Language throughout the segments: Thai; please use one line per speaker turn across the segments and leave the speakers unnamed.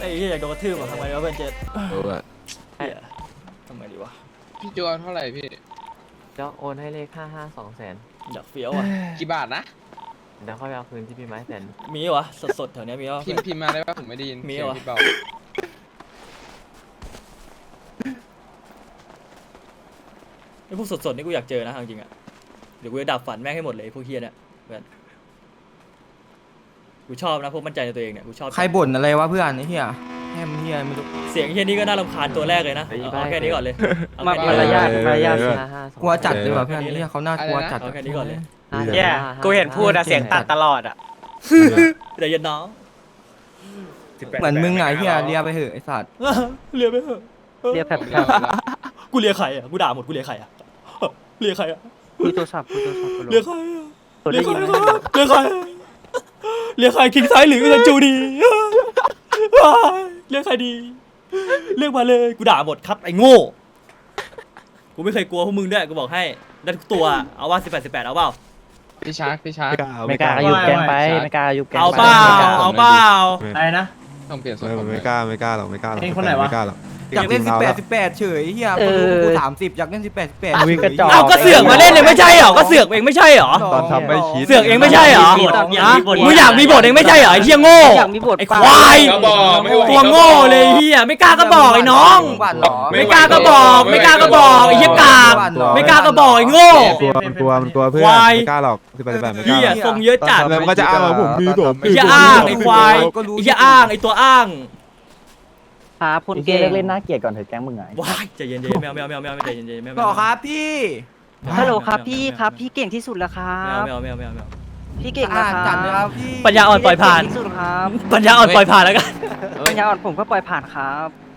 ไอ้เหี้ยอยากโดนกระทืบอ่ะทำไงดีวะเพื่อนเจ็ด
รู้อะ
เหี้ยทำไงดีวะ
พี่จวนเท่าไหร่พี่
จะโอนให้เลข55 200,000
อยากเฟี้ยวอ่ะ
กี่บาทนะ
เดี๋ยวค่อยไปเอาคืนที่พี่ไม้100,000
มีวะสดๆแถวเนี้ยมีวะ
พิมพ์มาได้ป่ะผมไม่ได้ยิน
มี
เสียง
เหรอ
พี่เบา
ไอ้พวกสดๆนี่กูอยากเจอนะจริงๆอ่ะเดี๋ยวกูจะดับฝันแม่งให้หมดเลยพวกเฮียเนี่ยเพื่อนกูชอบนะพวกมั่นใจในตัวเองเนี่ยกูชอบ
ใครบ่นอะไรวะเพื่อนไอ้เหี้ยแฮมเหี้ยไม่รู้
เสียงเฮียนี่ก็น่ารำคาญตัวแรกเลยนะเอาแค่นี้ก่อนเลยเอาแค่นี้
มารยาทมารยาท
กลัวจัดเลยว่ะเพื่อนไอ้เหี้ยเขาน่ากลัวจัด
เอาแค่นี้ก่อนเลย
เนี่ยกูเห็นพูดอะเสียงตัดตลอดอะ
แต่ยันน้อง
เหมือนมึงไงเหี้ยเลียไปเหอะไอ้สัตว์
เลียไปเถอะ
เรียกแผลบ
กูเลียใครอ่ะกูด่าหมดกูเลียใครอ่ะเลียใครอ่ะ
คุยโทรศัพท์คุยโทรศัพท์
เลียใครอ่ะ
ตัว
เลี
ได้
ยใคร
ยินไหม
เลียใครเลียใครคิงซ้ายหรืออิซันจูดีเลียใครดีเรียกมาเลยกูด่าหมดครับไอ้โง่กูไม่เคยกลัวพวกมึงด้วยกูบอกให้ได้ทุกตัวเอาว่า18เอาเปล่า
พี่ชาร์กพี่ชาร์ก
ไม่กล้าอายุแกงไปไม่กล้าอายุแกง
เอา
ไป
เปล่าเอาเปล่า
อะไรนะ
ต้องเปลี่ยนส่วน
ไม่
ผม
ไม่กล้าไม่กล้าหรอกไม่กล้าหรอก
เองคนไหนวะ
ไม่กล้าหรอก
อยากเล่น18เฉยเหี้ยคนรู้กู30อยากเล่น18เฉย
เอาก็เสือกมาเล่นเลยไม่ใช่เหรอก็เสือกเองไม่ใช่เหรอ
ตอนทำไม่คิด
เสือกเองไม่ใช่เหรอมึงอยากมีบทเองไม่ใช่เหรอไอ้เหี้ยโง่
อยากมีบท
ไอ้ควายตัวโง่เลยเฮียไม่กล้าก็บอกไอ้น้อง
หวานหรอ
ไม่กล้าก็บอกไม่กล้าก็บอกไอ้เหี้ยกากไม่กล้าก็บอกไอ้โง่
มันกลัวเพื่อน
ควาย
ไม่กล้าหรอก18ไม่ก
เฮี
ล้าย หรอก
ทรงเยอะจัด
แล้วมันก็จะอ้างว่าผมมีผม
ไอ้เหี้ยอ้างไอ้ควายไอ้เหี้ยอ้างไอ้ตัวอ้าง
ครับพูดเก่งเล่นน่าเกลียดก่อนเถอะแก๊งมึงไง
ว้ายใจเย็นๆไม่เอาใจเย็นๆไม่เอา
ต่อครับพี่
ฮัลโหลครับพี่ครับพี่เก่งที่สุดแล้วครั
ไม่
บ
เอา
พี่เก่ง
อ่า
นะค
จั
รั
ดเลยครับ บพี่
ปัญญาอ่อนปล่อยผ่าน
เก่งที่สุดครับ
ปัญญาอ่อนปล่อยผ่านแล้วกัน
ปัญญาอ่อนผมก็ปล่อยผ่านครับ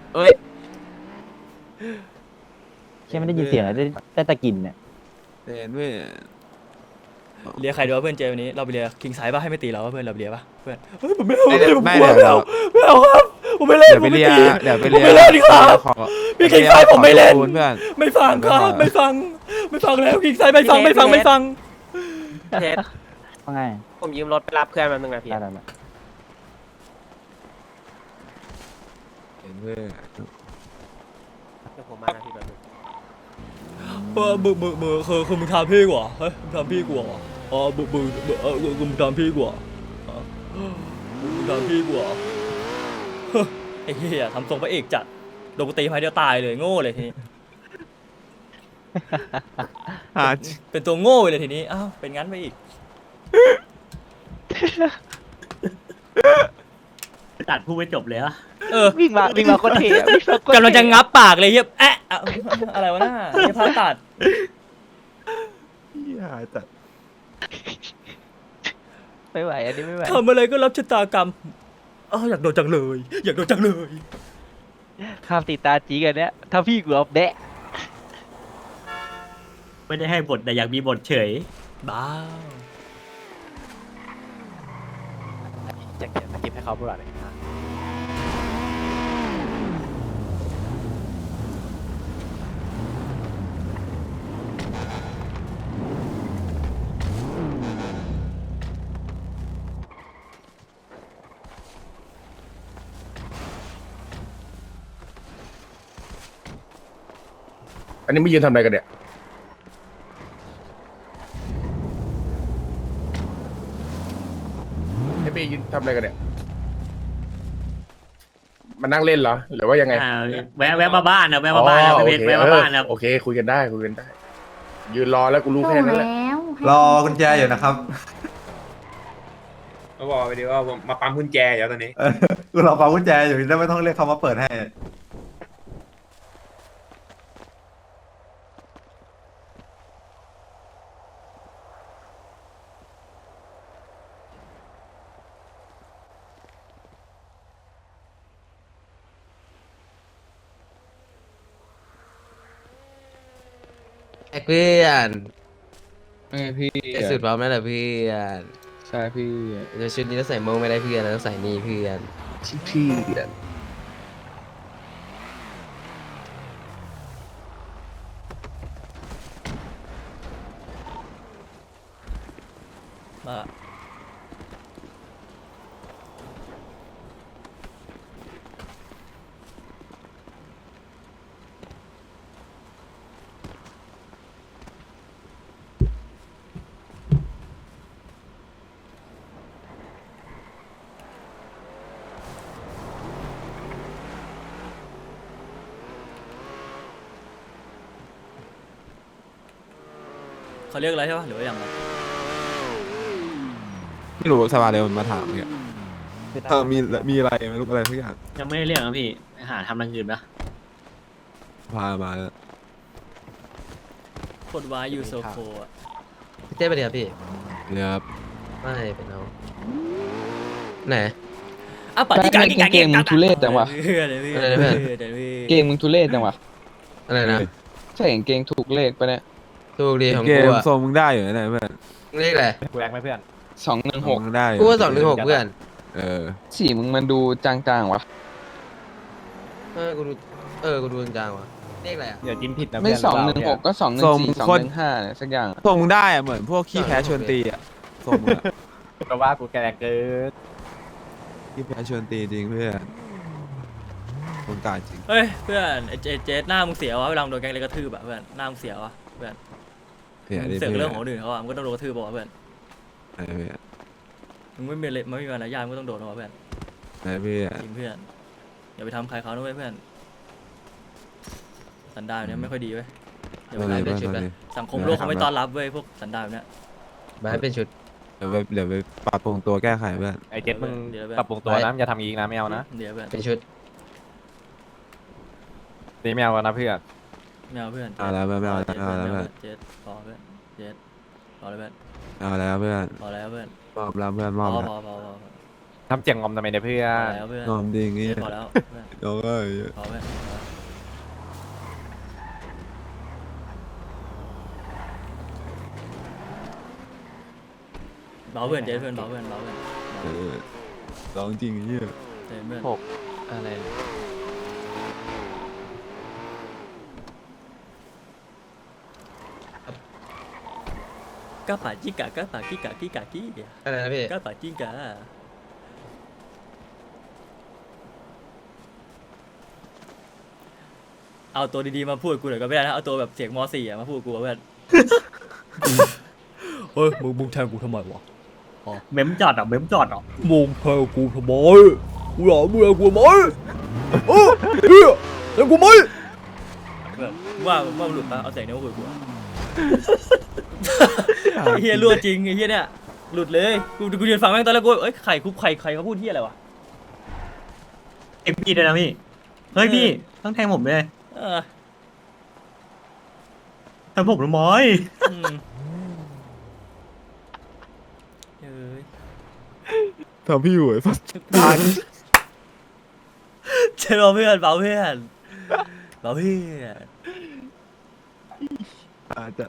แค่ไม่ได้ยินเสียงเลยได้ตะกินเนี่ย
เห็นเว้ย
เลียใครดีวะเพื่อนเจวันนี้เราไปเลียคิงไซด์ป่ะให้ไม่ตีเราป่ะเพื่อนเราเลียป่ะเพื่อนเฮ้ยผมไม่เอา
ไม่
ผม
ไม่
กลัว
เดี๋ยว
ไม่เอาครับผมไม่เล่น
เดี๋ยวไปเรีย
ผมม่ตี
เดี๋ยวไป
ผม
เรีย
ไม่เล่นดีครับ
ขอ
พี่คิงไซด์ผมไม่เล่น
ขอเพื่อน
ไม่ฟังครับไม่ฟังแล้วคิงไซด์ไม่ฟัง
เทส
ว่าไง
ผมยืมรถไปรับเพื่อนมาหนึ่งนาที
ได้
เห็นเว้ย
เดี๋ยวผมมานาทีแบบนึง
มือคือมึงทำพี่กว่าเฮ้ยมึงทำพี่กว่าอ๋อมึงทำพี่กว่ามึงทำพี่กว่าไอ้เหี้ยทำทรงพระเอกจัดโดนกูตีไม้เดียวตายเลยโง่เลยทีนี้
หา
เป็นตัวโง่เลยทีนี้อ้าวเป็นงั้นไปอีก
ตัดพูดไม่จบเลยอะ
วิ่งมาคนเท่วิ่งมาคนเท่
กำลังจะงับปากเลยเฮียแอะอะไรวะน่าเฮียพาตัด
หาจัด
ไม่ไหวอันนี้ไม่ไหว
ทำอะไรก็รับชะตากรรมอ้าวอยากโดนจังเลยอยากโดนจังเลย
ข้ามติดตาจีกันเนี้ยถ้าพี่กูเอาแบะ
ไม่ได้ให้บทแต่อยากมีบทเฉย
บ้า
จะเก็บสกิปให้เขาพูดอะไร
อันนี้ไม่ยืนทำอะไรกันเนี่ยไอ้เบยืนทำอะไรกันเนี่ย มานั่งเล่นเหรอ หรือว่ายังไง
แวะมาบ้านนะแวะมาบ้านนะ
โอ
พี่
เค
แวะมาบ้านนะ
โอเค คุยกันได้ คุยกันได้ ยืนรอแล้วกูรู้แค่นั้นแหละ
รอกุญแจอยู่นะครับ
มาบอกไปดีว่าผมมาปั๊มกุญแจอยู่ตอนนี้
กูรอฟังกุญแจอยู่แล้วไม่ต้องเรียกเขามาเปิดให้
เพื่อน
พี่
สุดพร้อมแล้วเหรอเพื่อน
ใช่พี่
เดี๋ยวชุดนี้ต้องใส่โมงไม่ได้เพื่อนเราต้องใส่นี่เพื่อน
พี่
มาเขาเรียกอะไรใช่ปะหรือว่าอย่างไร
ไม่รู้สบายเลยมันมาถามเนี่ยมีอะไรไม่รู้อะไรทุกอย่าง
ยังไม่ได้เรียกนะพี่หาทำอย่างอื่นปะ
พามาแล้ว
กดวายยูโซโคอ่ะ
พี่เต้ไปเดี๋ยวพี่
เนี่ยครับ
ไม่เป็นเอาไหน
อ่ะปัดที่กางที่กาง
เกมมึงทุเรศจังวะ
เดี๋ยวพี่
อะไรนะเพื่อน
เดี๋ยวพี่
เกมมึงทุเรศจังวะ
อะไรนะ
ใช่เกงถูกเลขปะเนี่ย
ถูกดีของ
เก
กู
ม
อะ
ทรงมึงได้อยู่นะเพื่อน
เลขอะไร
กูแรงไหมเพื่อน
216
มึงได้อยู่
กูว่า216เพื่อน
สีมึงมันดูจางๆวะ
กูดูจางๆว่ะเลขอะไรอ่ะ
อย่าจิ้มผิดนะ
ไม่
เพื่อน
216ก็214 215เนี่ยสักอย่าง
ทรงมึงได้อะเหมือนพวกขี้แพ้ชวนตีอะทรงมึงอะ
ก็ว่ากูแกแรงเกิน
ขี้แพ้ชวนตีจริงเพื่อนคนกาจริง
เฮ้ยเพื่อนไอ้เจสหน้ามึงเสียวะเวลามึงโดนแกงเลยกระทืบอะเพื่อนหน้ามึงเสียวะเพื่อน
เนี่ย
มึงเสือกเรื่องของคนอื่นเขาอะมึงก็ต้องโดนกระทืบบอกว่าเพื่อน
ไอ้เพื่อน
มึงไม่มีไม่มีมารยาทมึงก็ต้องโดนนะเพื่อน
ไอ้เพื่อน
จริงเพื่อนอย่าไปทำใครเขานะเว้ยเพื่อนสันดานแบบเนี้ยไม่ค่อยดีเว้ยอย่าไป
อะไร
ทำ
เพื่อน
ชุด
อะไร
เลย
สังคมโลกเขาไม่ต้อนรับเว้ยพวกสันดานแบบเนี้ย
มาให้เป็นชุด
เดี๋ยวไปปรับปรุงตัวแก้ไขเพื่อน
ไอ้เจ็ดมึงปรับปรุงตัวนะอย่าทำอีกนะไม่เอานะ
เดี๋ยวเพื่อน
เป็นชุด
นี่ไม่เอานะเพื่อน
ไม่เอาเพื่อน
เอาแล้วไม่เอาแล้วเอาแล้วเพื่อน
เจสพอเพื่อนเจสพอแล้วเพื่อน
เอาแล้วเพื่อน
พอแล้วเพื่อน
มอบแล้วเพื่อนม
พ
อบ
อ
แล้ว
พอ
ทำเจียงงอมทำไมเนี่ยเพื่อ
พอน แล้วเพื่อน
งอมจริง
เจ
งี้
สพอแล้วเพื่อน
โอ้ย
พอเพื่อนเบาเพื่อนเจสเพื่อนเบาเพื่อนเบาเพื่อน
ร้องจริงเหี้ย
เจสเพื่อน
อะไร
กะป่าจิกะกะป่ากิกะกิกะกิ
อะไรนะพี่
กะป่าจิกะเอาตัวดีๆมาพูดกูหน่อยก็ไม่ได้นะเอาตัวแบบเสียงม .4 อะมาพูดกูเพื่อนเฮ้ยมึงแทงกูทำไมวะ
เมมจอดเหรอเมมจอดเหรอ
มึงแทงกูทำไมกูอยากมึงแทงกูทำไมเฮียแทงกูไหมว่ามันหลุดปะเอาเสียงนี้มาคุยกูเฮียรั่วจริงไอ้เฮียเนี่ยหลุดเลยกูยืนฟังแม่งตอนแรกกูเอ้ยใครเขาพูดเฮียอะไรวะ
เอ็มพีด้วยนะพี่เฮ้ยพี่ต้องแทงผมเลย
เออ
แทงผมทำไม
อืมเอ้ย
ทำพี่อยู่ไอ้สัส
เจ๊เบาเพื่อนเบาเพื่อนเบาเพื่อน
อาจจะ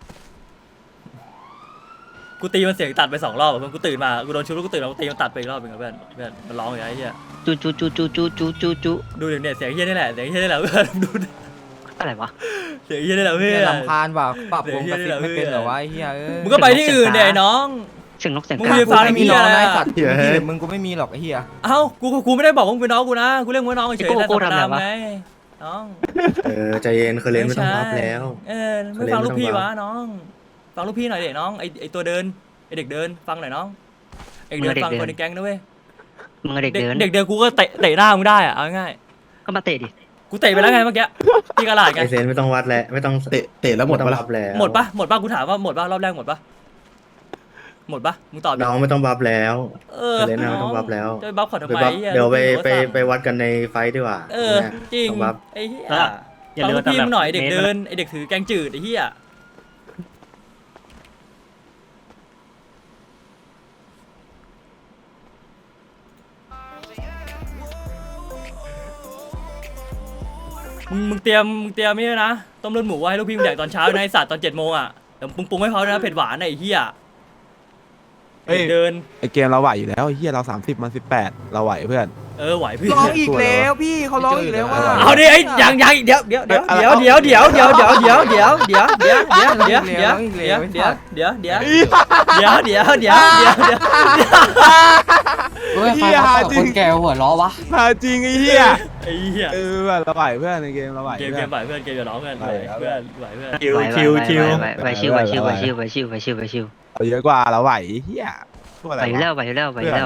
กูตีมันเสียงตัดไป2 รอบอะเพื่อนกูตื่นมากูโดนชุบแล้วกูตื่นมากูตีมันตัดไปอีกรอบหนึงอะเพื่อนมันร้องอย่างไงเฮีย
จุจุจุจุจุจุจุจุ
ดูเดี๋ยวเนี่ยเสียงเฮียนี่แหละเสียงเฮียนี่แหละเพื่อนดูดิ
อะไรวะ
เสียงเฮียนี่แหละเพื่อน
ลำคาญว่ะปรับวงกระซิบไม่เป็นเหรอวะไอ้เหี้ยเอ้ย
มึงก็ไปที่อื่นเดี๋ยวไอ้น้อง
เสียงนกเสียง
มึง
กา
มี
กู
ฟัง
ไม่มี
เหี้
น้
ย
อง
อะไร
นะ
อะ
ไอ้สัตว์ที่มึงกูไม่มีหรอกไอ้เหี้ย
เอ้ากูไม่ได้บอกว่ามึงเป็นน้องกูนะกูเรียกมึงว่าน้องเฉยๆแต่ธรรมดาไงน้อง
ใจเย็นเคยเล่นไม่ต้องรับแล้ว
เออไม่ฟังลูกพี่วะน้องฟังลูกพี่หน่อยเด็น้องไอตัวเดินไอเด็กเดินฟังหน่อยน้องไอเด็กเดินฟังคนในแก๊งนะเว้ย
มึงกับเด็กเดิน
เด็กเดินกูก็เตะหน้ามึงได้อะเอาง่าย
ก็มาเตะดิ
กูเตะไปแล้วไงเมื่อกี้ที่กระดาษไง
ไอเซนไม่ต้องวัดแล้วไม่ต้องเตะแล้วหมดรับแล้ว
หมดปะกูถามว่าหมดปะรอบแรกหมดปะมึงตอบดิ
น้องไม่ต้องบัฟแล้ว
เออ
เล่นนะไม่ต้องบัฟแล้ว
จะไปบัฟขอทำไม
เดี๋ยวไปวัดกันในไฟดีกว่า
เออจริง
ต้องบัฟ
ไอ้เหี้ย
อย่า
ฟัง
ลืม
ลูกพี่
ว่า
มึงหน่อยเด็ก
มตร
เดินไอเด็กถือแกงจืดไอ้เหี้ยมึงเตรียมนี่ด้วยนะต้มเลือดหมูไว้ให้ลูกพี่มึงแดกตอนเช้านะไอสัตว์ตอน7 โมงอ่ะเดี๋ยวปรุงให้เขาด้วยนะเผ็ดหวานนะไอ้เหี้ยเด็กเดิน
ไอเกมเราไหวอยู่แล้วไอ้เฮียเรา30มัน18เราไหวเพื่อน
เออไหวเพื่อน
ร้องอีกแล้วพี่เขาร้องอีกแล้วว่า
เอาดิไอ้ยังเดี๋ยวเดี๋ยว
เฮ้ยใครมาเปิดคนแก่หัวล้อวะ
หาจริงไอ้เฮีย
ไอ้เหี้ย
เราไหวเพื่อนในเกมเราไหว
เกมไหวเพื่อนเกมอย่าร้องเพื่อนไหวเพื่อน
ชิว
ไหว
ชิวชิว
ไหวชิวไหวชิวไหวชิวไหวชิวไหวชิวไหวชิว
เราเยอะกว่าเราไหวเฮียพวกอะไร
ไหวอยู่แล้วไหวอยู่แล้วไหวอยู่แล้ว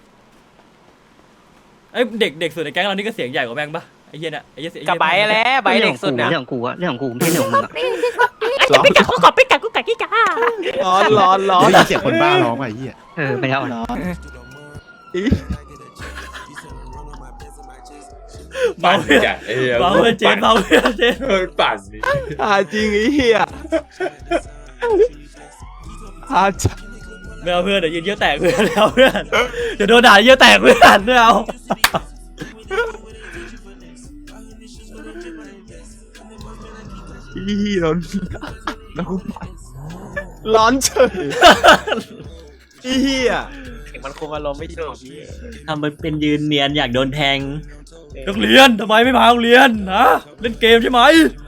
ไอ้เด็กสุดในแก๊งเรานี่ก็เสียงใหญ่กว่าแม่งปะไอ้เหี้ยเนี่ยไอ้เหี้ย
กับใบแล้วใบเด็กสุดนะเรื่องของกูอะเรื่องของกูไม่ใช่เรื่องของมึงอะ
ปิกาขอปิกากุกากิกา
ร้อน
เสียงคนบ้าร้องไอ้เหี้ย
ไม่เอาหรอ
เบา
ปั่น
เพื่อน
จัดไอ้เหี้ย
เบาเพื่อนเจนเบาเพื่อนเจน
ปั่นนี่
จริงไอ้เหี้ยจะ
ไม่เอาเพื่อนเดี๋ยวยืนเยี่ยวแตกเพื่อนไม่เอาเพื่อนเดี๋ยวโดนด่าเยี่ยวแตกเพื่อนไม่เอา
อีร้อนแล้วกูร้อนเฉยอีเหี้ย
มันคงอารมณ์ไม่ถูก
ทำเป็นยืนเนียนอยากโดนแทง
นักเรียนทำไมไม่มาโรงเรียนนะเล่นเกมใช่ไหม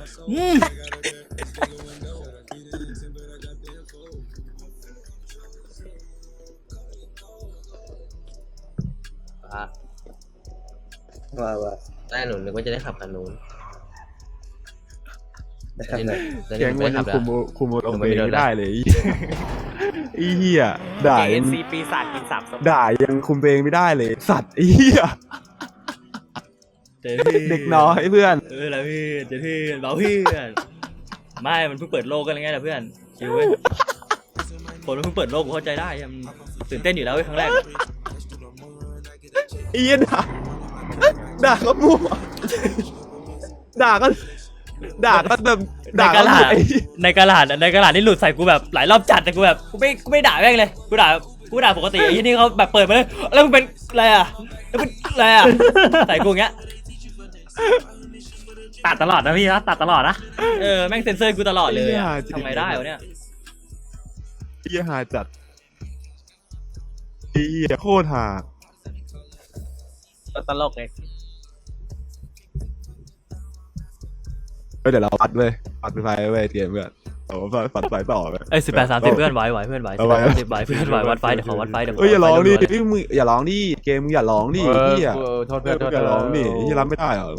ว่าได้หนูนึกว่าจะได้ขับคันนู้นได้ขับเลย
แกงมันยังคุมอารมณ์ตัวเองไม่ได้เลยอีเหี้ยด่ายัง
ปีศาจกินสามศพ
ด่ายังคุมตัวเองไม่ได้เลยสัตว์อีเหี้ยเด็กน้อยเพื่อน
แล้วเพื่อนเจนเพื่อนเบาเพื่อนไม่มันเพิ่งเปิดโลกกันไงนะเพื่อนชิวเว้ยคนมันเพิ่งเปิดโลกกูเข้าใจได้มันตื่นเต้นอยู่แล้วเว้ยครั้งแรก
อีเหี้ยด่าก็มั่วด่าก็แบบ
ใน
ด่าก
ระ
ก็
ดาษ
ไอ้
ในกระดาษนี่หลุดใส่กูแบบหลายรอบจัดแต่กูแบบกูไม่ด่าแม่งเลยกูด่าปกติไอ้ที่นี่เขาแบบเปิดมาเลยแล้วมึงเป็นอะไรอ่ะแล้วเป็นอะไรอ่ะใส่กูอย่างเงี้ย
ตัดตลอดนะพี่นะตัดตลอดนะ
แม่งเซ็นเซอร์กูตลอดเลยอะทำไงได้วะเนี่ย
เหี้ยหาจัดเหี้ยโคตรหา
ตลกเลย
เดี๋ยวเราปัดเว้ยปัดไฟเว้ยเตรียมเพื่อนเอาปัดไฟต่อไป
18-30เพื่อนไหวเพื่อนไหว
เอาไว้
10ไหวเพื่อนไหววัดไฟเดี๋ยวขอวัดไฟเดี๋ยว
อย่าร้องดิ
วัดไฟ
พี่มึงอย่าร้องดิเกมมึงอย่าร้องดิเหี้ย
โทษเพื่อนโทษ
อย่าร้องดิที่รับไม่ได้เหรอ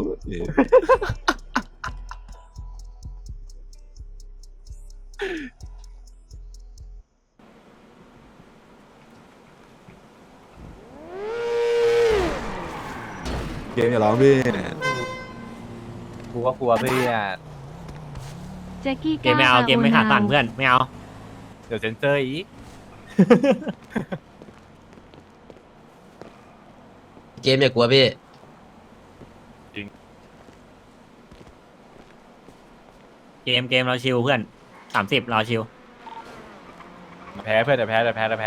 เกมอย่าร้องพี่
กูก็กลัวเพื่อน
แจ็คกี้
เกมไม่เอาเกมไม่ขาดตันเพื่อนไม่เอา
เดี๋ยวเซนเซอร์อีก
เกมอย่ากลัวพี่
เกมเราชิวเพื่อน30เราชิว
แพ้เพื่อนเดี๋ยวแพ้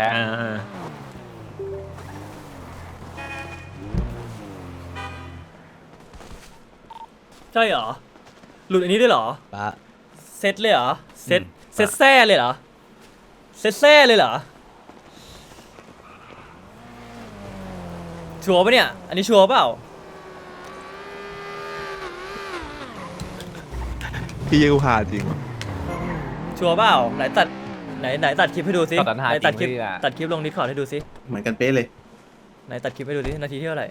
ใช่เหรอหลุดอันนี้ด้วยเหรอ
ปะ
เซตเลยเหรอเซตแซ่เลยเหรอเซตแซ่เลยเหรอชัวร์ปะเนี่ยอันนี้ชัวร์เปล่า
พี่กูหาจริงวะ
ชัวร์เปล่าไหนตัดคลิปให้ดูซิ
ตัด
ไหนตัดคลิปลงดิสคอร์ดให้ดูซิ
เหมือนกันเป๊ะเลย
ไหนตัดคลิปให้ดูดินาทีที่เท่าไหร่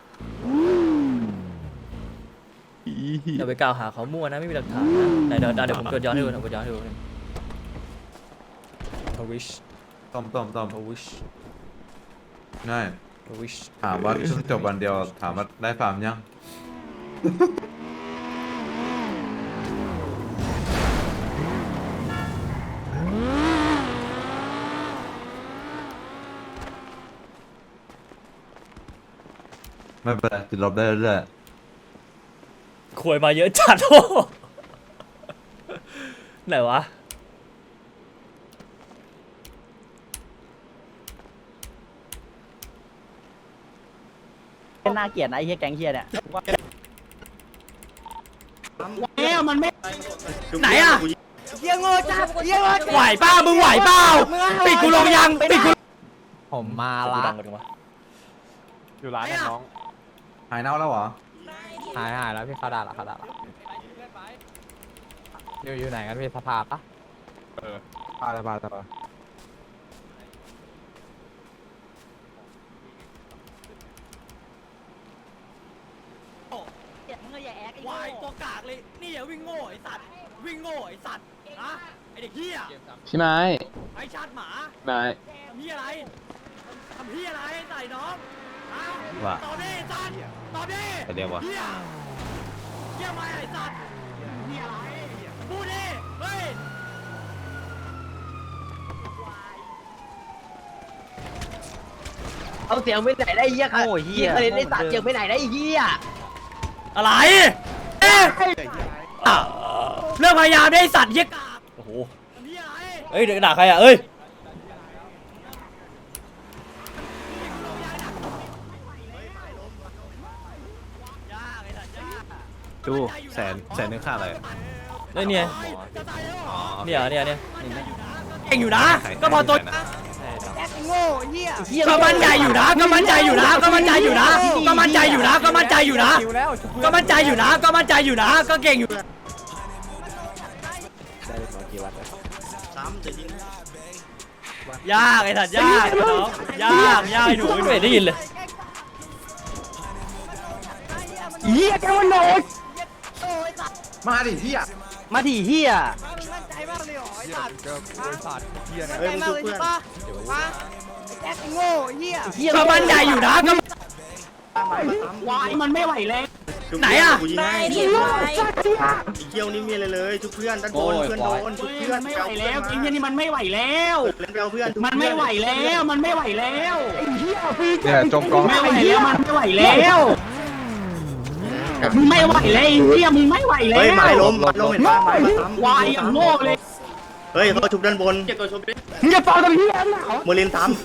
อย่าไปกล่าวหาเขามั่วนะไม่มีหลักฐานนะไหนเดี๋ยวผมกดย้อนให้ดูทวิช
ต้อม
ทวิช
ง่าย
ทวิช
ถามว่าช่วงจบวันเดียวถามว่าได้ฟาร์มยัง ไม่เป็นไรติดลบได้เรื่อย
ขวยมาเยอะจัดโอ้ไหนวะน่าเกลียดนะไอ้เฮียแก๊งเฮียเนี่ยไหนอะเฮียโง่จ้าเฮียโง่ไหวเปล่ามึงไหวเปล่าปิดกูลงยังปิดกู
ผมมาละ อยู่ร้านนะน้อง
ๆหายเน่าแล้วเหรอ
หายแล้วพี่เขาด่าละอยู่ไหนกันพี่สภาปะ
ปาด
วายตัวกากเลยนี่อย่าวิ่งโง่ไอ้สัตว์วิ่งโง่ไอ้สัตว์นะไอเด็กเฮีย
พี่ไม้
ไอชาติหมา
ไม้
ทำเฮียอะไรทำเฮียอะไรใส่น้องฮะ
ว่า
ตอบดิสัตว์ตอบดิ
เรียกว่า
เฮียเฮียมาไอ้สัตว์เฮียอะไรพูดดิเฮ้ย
เอาเสียงไปไหนได้เหี้ยค่ะ
โอ้ยเหี้ย
เคยได้ตัดเสียงไปไหนได้เหี้ย
อะไรเอ๊ะเรื่องพยายามได้สัตว์เหี้ยกาบโอ้โหเอ้ยเดี๋ยวด่าใครอ่ะเอ้ย
ดูแสนนึงค่าอะไร
เนี่ยเก่งอยู่นะก็พอตัวก็มั่นใจอยู่นะก็มั่นใจอยู่นะก็มั่นใจอยู่นะก็มั่นใจอยู่นะก็มั่นใจอยู่นะก็มั่นใจอยู่นะก็มั่นใจอยู่นะก็เก่งอยู่ยากไอ้สัตว์ยากน้องยากไอ้หนูไม่ได้ยินเลย
มาดิพี่อ่ะ
มาดิเฮีย
เฮ้ยมึงชุบเพื่อน
ก็มั่นใจอยู่นะก็
มันไม่ไหวแล้ว
ไหนอ่ะ
กูยิงให้อีเกียวนี่มีอะไรเลยชุบเพื่อนด้านบนเพื่อนโดนชุบเพื่อน
ไม่ไหวแล้วกินแค่นี้มันไม่ไหวแล้ว
เล่นไปเอาเพื่อน
มันไม่ไหวแล้วมันไม่ไหวแล้วไอ้เหี้ยพี่
เนี่ยจมกอง
ไม่ไหวแล้วมันไม่ไหวแล้วมึงไม่ไหวแล้วไอ้เหี้ยมึงไม่ไหวแล้ว
เฮ้ยไม้ล้มเห็นป่ะไม้มาซ้ำ
วายอย่างโง่เลย
เฮ้ยเขาชุบด้านบน
มึงจะฟังตรงนี้แล้วเหรอ
เมอร์ลินซ้ำ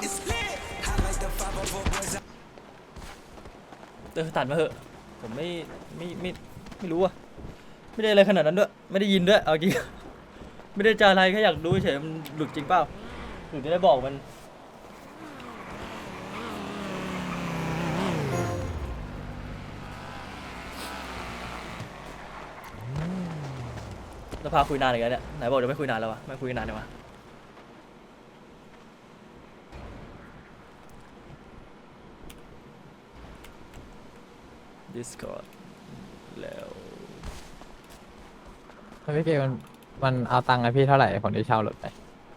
ตัดมาเหอะผมไม่รู้อะไม่ได้อะไรขนาดนั้นด้วยไม่ได้ยินด้วยเอาจริง ไม่ได้จะอะไรแค่อยากดูเฉยมันหลุดจริงเปล่าหรือจะได้บอกมันจะพาคุยนานอีกแล้วเนี่ยไหนบอกจะไม่คุยนานแล้ววะไม่คุยนานเลยวะ Discord แล้ว
พี่เกมันเอาตังค์ไอพี่เท่าไหร่คนที่เช่ารถไป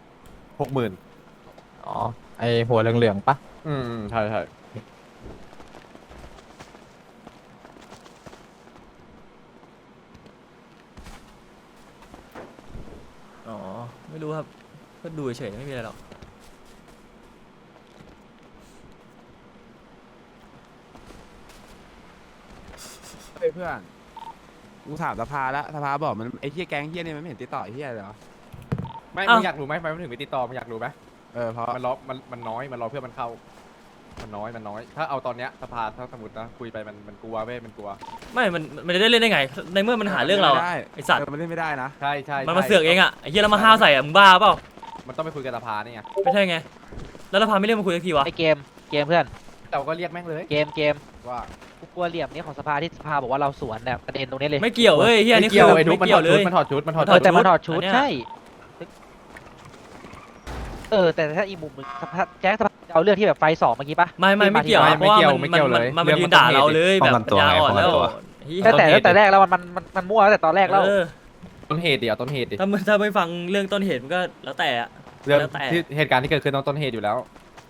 60,000
อ๋อไอหัวเหลืองๆปะ
ใช่
อ๋อไม่รู้ครับก็ดูเฉยๆไม่มีอะไรหรอก
เพื่อนกูถามสภาแล้วสภาบอกมันไอ้เหี้ยแก๊งเหี้ยนี่มันไม่เห็นติดต่อไอ้เหี้ยเลยเหรอ
ไม่มึงอยากรู้ไหมทำไมมันถึงไม่ติดต่อมึงอยากรู้ไหม
เพราะ
มันรอมันน้อยมันรอเพื่อนมันเข้า มันน้อยถ้าเอาตอนเนี้ยสภาถ้าสมมตินะคุยไปมันกลัวเว้ยมันกลัว
ไม่มันจะได้เล่นได้ไงในเมื่อมันหาเรื่องเราอะไอสัตว์
มันเล่นไม่ได้นะ
ใช่
มันมาเสือกเองอะไอเหี้ยแล้วมาห้าวใส่อะมึงบ้าเปล่า
มันต้องไปคุยกับสภานี่ไง
ไม่ใช่ไงแล้วเราพาไม่เรียกมาคุยสักทีวะ
ไอเกมเพื่อน
แต่ก็เรียกแม่งเลย
เกม
ว่า
กูกลัวเหลี่ยมนี้ของสภาที่สภาบอกว่าเราสวนเนี่ยประเด็นตรงนี้เลย
ไม่เกี่ยวเว้ยเหี้ย
ไม่
นี่คื
เกี่ยว
อ
ไอ้ทุก
ไม่
มัน
เกี่ยวเลย
ถอดชุด
แต่มันถอดชุด
อันเนี้ย
ใช่แต่ถ้าอีกมุมหนึงสภาแจ็คสภาจะเอาเรื่องที่แบบไฟสองเมื่อกี้ปะ
ไม่เกี่ยวเพราะว่ามันยืนด่าเราเลยแบบปัญญาอ่อนแล้วเหี้ย
ตั้งแต่แรกแล้วมันมั่วตั้งแต่ตอนแรกแล้ว
ต้นเหตุดิเอาต้นเหตุดิ
ถ้าไม่ฟังเรื่องต้นเหตุมันก็แล้วแต่อะ
เรื่อง
แล้วแต่
ที่เหตุการณ์ที่เกิดขึ้นต้องต้นเหตุอยู่แล้ว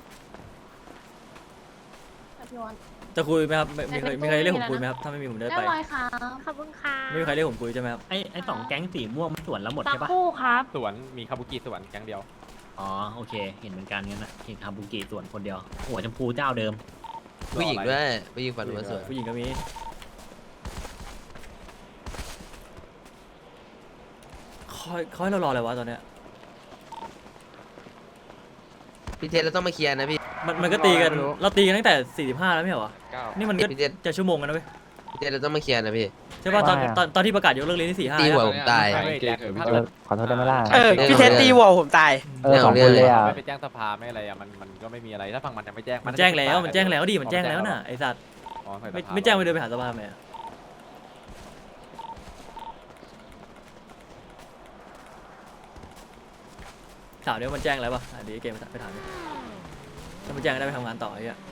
จะคุยไหมครับมีใครเรียกผมคุยไหมครับถ้าไม่มีผมได้
เรีย
ไป
บร้อยค่ะขอบคุณค่ะ
ไม่มีใครเรียกผมคุยใช่ไหมครับ
ไอ้สองแก๊งสีม่วงมันสวนแล้วหมด
สัก
ใช่ปะ
ครู่ครับ
สวนมีคาบุกิสวนแก๊งเดียว
อ๋อโอเค เห็นเหมือนกันงั้นนะเห็นคาบุกิส่วนคนเดียว หัวชมพูเจ้าเดิม
ผู้หญิงด้วยผู้หญิงฝันว่าสวย
ผู้หญิงก็มีเขาให้เรารออะไรวะตอนเนี้ย
พี่เทสเราต้องมาเคลียร์นะพี่
มันก็ตีกันเราตีกันตั้งแต่45แล้วไม่เหรอวะนี่มันก็
พี่เทส
จะชั่วโมงกันนะเว้ย
พี่เทสเราต้องมาเคลียร์นะพี่
ใช่ป่ะตอนที่ประกาศยกเลิกเรียนที่45
ตีหัว
อะ
ผมตาย
ขอโทษได้ไหมล่ะ
พี่เทสตีหัวผมตาย
สองคนเลยอ่ะ
ไม่ไปแจ้งสภาไม่อะไรอ่ะมันก็ไม่มีอะไรถ้าฝั่งมันยังไม่แจ้ง
มันแจ้งแล้วมันแจ้งแล้วดิมันแจ้งแล้วน่ะไอ้สัตว์
อ๋อใส่สภา
ไม่แจ้งไปเดินไปหาสภาไหมอะถามเดี๋ยวมันแจ้งแล้วป่ะเดี๋ยวเกมไปถามดิถ้ามันแจ้งได้ไปทำงานต่อไอ้เหี้ย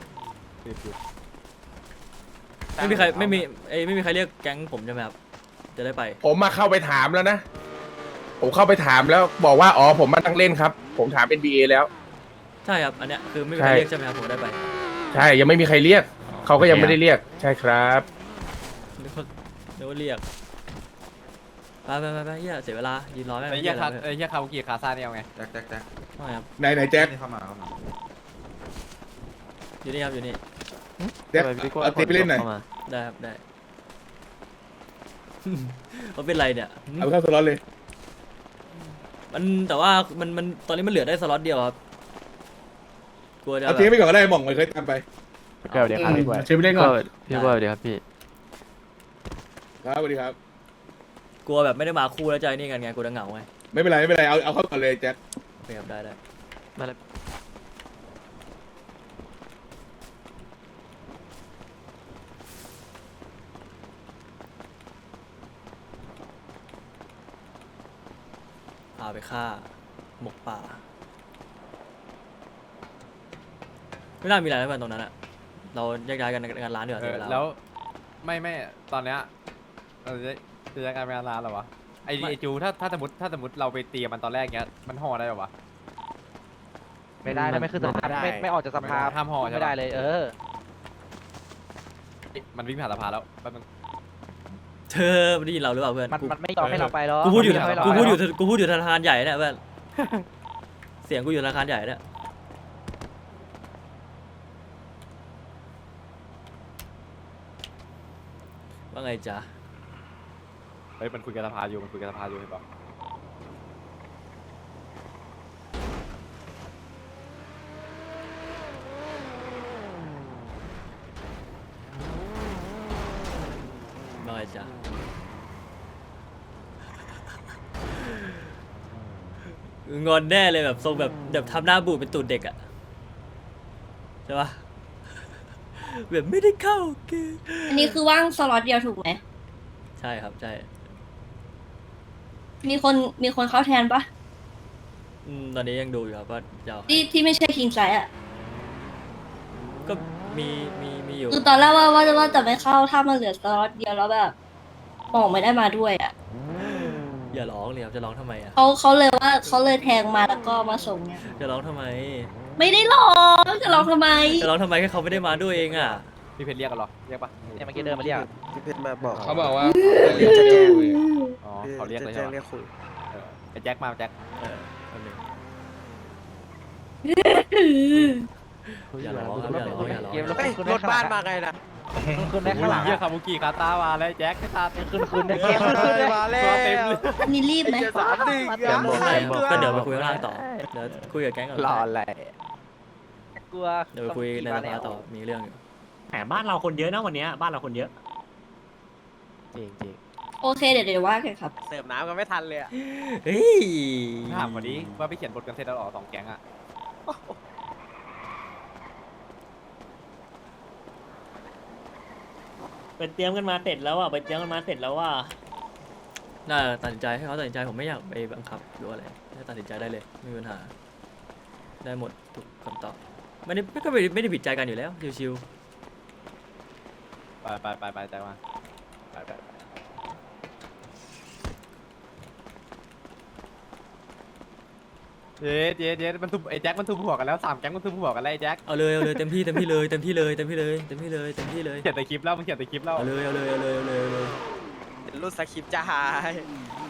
ไม่มีใครไม่มีใครเรียกแก๊งผมใช่ไหมครับจะได้ไป
ผมมาเข้าไปถามแล้วนะ ผมเข้าไปถามแล้วบอกว่าอ๋อผมมาตั้งเล่นครับ ผมถามเป็น BA แล้ว
ใช่ครับอันเนี้ยคือไม่มีใครเรียกใช่ไหมครับผมได้ไป
ใช่ยังไม่มีใครเรียก เขาก็ยังไม่ได้เรียก ใช่ครับ
นึกว่าเรียกไปเหี้ยเสียเวลายืนรอแม่ง
ไอ้เหี้ยคาบุกิคาซาเนี่ยเอาไง
แจ็ค
ไม่ครับ
ไหนแจ็ค
นี่เข้ามา
อยู่นี่ครับอยู่นี่
เดี๋ยวเอาตีไปเล่นหน่อย
ได้ครับได้ เขาเป็นไรเนี่ย
เอาไปเข้าสล็อตเลย
มันแต่ว่ามันตอนนี้มันเหลือได้สล็อตเดียวครับกลัวจะ
เอาทิ้งไปก่อนก็ได้หม่องมันเคยตามไป
แก้วเดี๋ยวครับพี่บอย
เชิญไปเล่นก่อน
พี่ว่าเดี๋ยวครับพี่
ครับสวัสดีครับ
กลัวแบบไม่ได้มาคู่แล้วใจนี่กันไงกลัวจะเหงาไง
ไม่เป็นไรเอาเข้าก่อนเลยแจ็ค
โอเคครับได้มาเลยพาไปฆ่าหมกป่าไม่น่ามีอะไรแล้วกันตรงนั้นอะเราแยกย้ายกันงานร้านเดี๋ยวาเสียเวลา
แล้วไม่ตอนเนี้ยเราจะยังการงานร้านเหรอวะไอจูถ้าสมมติเราไปตีมันตอนแรกเงี้ยมันห่อได้หรอวะ
ไม่ได้นะไม่ขึ้นสภาไม่ออกจากสภา
ห้ามห่อใช่ปะ
ไม่ได้เลย
มันวิ่งผ่านสะพานแล้วแป๊บนึง
เธอไม่ได้ยินเราหรือเปล่าเพื่อน
มันไม่ยอมให้เราไปหรอก
กูพูดอยู่
ไม่ให้เรา
กู
ไป
พูดอยู่
หรก
กูพูดอยู่ธนาคารใหญ่เนี่ยเพื่อน เสียงกูอยู่ธนาคารใหญ่เนี่ยว่าไงจ๊ะ
เฮ้ยมันคุยกับสภาอยู่เห็นปะ
ว่าไงจ๊ะงอนแน่เลยแบบทรงแบบทำหน้าบูดเป็นตูดเด็กอะใช่ปะแบบไม่ได้เข้าเกม
อันนี้คือว่างสล็อตเดียวถูกไหม
ใช่ครับใช่
มีคนเข้าแทนปะ
ตอนนี้ยังดูอยู่ครับว่าจะเอา
ที่ไม่ใช่คิงไซอ่ะ
ก็มีอยู่
คือตอนแรกว่าจะไม่เข้าถ้ามันเหลือสล็อตเดียวแล้วแบบหมองไม่ได้มาด้วยอ่ะ
อย่าร้องเลยครับจะร้องทำไมอะ
เขาเลยแทงมาแล้วก็มาส่งเนี่ย
จะร้องทำไม
ไม่ได้หรอกจะร้องทำไม
จะร้องทำไมแค่เขาไม่ได้มาด้วยเองอะ
พี่เพชรเรียกกันเหรอเรียกปะ
เนี่ยเมื่อกี้เดินมาเรียก
พี่เพชรมาบอก
เขาบอกว่า
เรียกจะแจ้งคุย
อ๋อเขาเรียกเลยใช่
เรีย
ปะ
กคุย
ไอ้แจ็คมาแจ็ค
แป๊บนึงอย่าร้องครับอย่าร้องอย่าร้อง
เกมแล้ว
เฮ้ย
คุณ
รถบ้านมาไงล่ะ
คุณได้ข้างหลัง
เยี่ยคาบุกิคาตามาแล้วแจ็คตาเต็ม
คุณได้เกมคุณได้
มาแล้ว
ตัวเต็มเลย
อันนี้รีบไหม
เดี๋ยวบอกให้ก็เดี๋ยวไปคุยข้างล่างต่อเดี๋ยวคุยกับแก๊งก่อน
รออะไร
กลัว
เดี๋ยวไปคุยในสภาต่อมีเรื่องอยู่
แหมบ้านเราคนเยอะนะวันเนี้ยบ้านเราคนเยอะ
จริง
โอเคเดี๋ยวว่ากันครับ
เสิร์ฟน้ำกันไม่ทันเลยอะ
เฮ้ย
ถามวันนี้ว่าไปเขียนบทกันเสร็จแล้วหรอ2แก๊งอะ
ไปเตรียมกันมาเสร็จแล้วอ่ะไปเตรียมกันมาเสร็จแล้วว่า
น่าตัดสินใจให้เขาตัดสินใจผมไม่อยากไปบังคับหรือว่าอะไรให้ตัดสินใจได้เลยไม่มีปัญหา ได้หมดทุกคำตอบไม่ได้ผิดใจกันอยู่แล้วชิว
ไปแจ็คมาไปเย็ดมันทุบไอ้แจ็คมันทุบหัวกันแล้ว3แก๊งมันทุบหัวกันแล้วไอ้แจ็ค
ๆเอาเลยเต็มที่เลยเขียน
เขียนแต่คลิปแล้วมึงเขียนแต่คลิปแล้ว
เอาเลย
รุ่นสคริปต์จะหาย